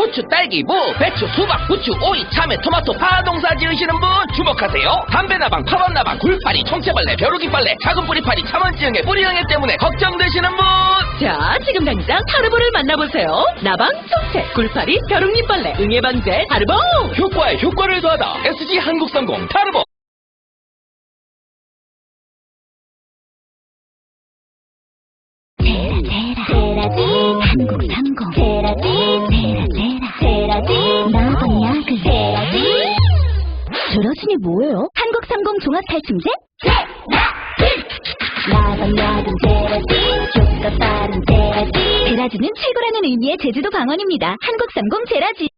고추, 딸기, 무, 배추, 수박, 부추, 오이, 참외, 토마토, 파 농사 지으시는 분 주목하세요. 담배나방, 파번나방, 굴파리, 청채벌레, 벼룩이빨래, 작은 뿌리파리, 참원지응해, 뿌리응해 때문에 걱정되시는 분. 자, 지금 당장 타르보를 만나보세요. 나방, 청채, 굴파리, 벼룩잎벌레, 응애방제, 타르보! 효과에 효과를 더하다. SG 한국삼공 타르보. 제라지 한국삼공 제라지 나방 약을 제라지 제라진이 뭐예요? 한국삼공 종합탈춤제? 나방 약은 제라지 효과 빠른 제라지 제라진은 최고라는 의미의 제주도 방언입니다. 한국삼공 제라지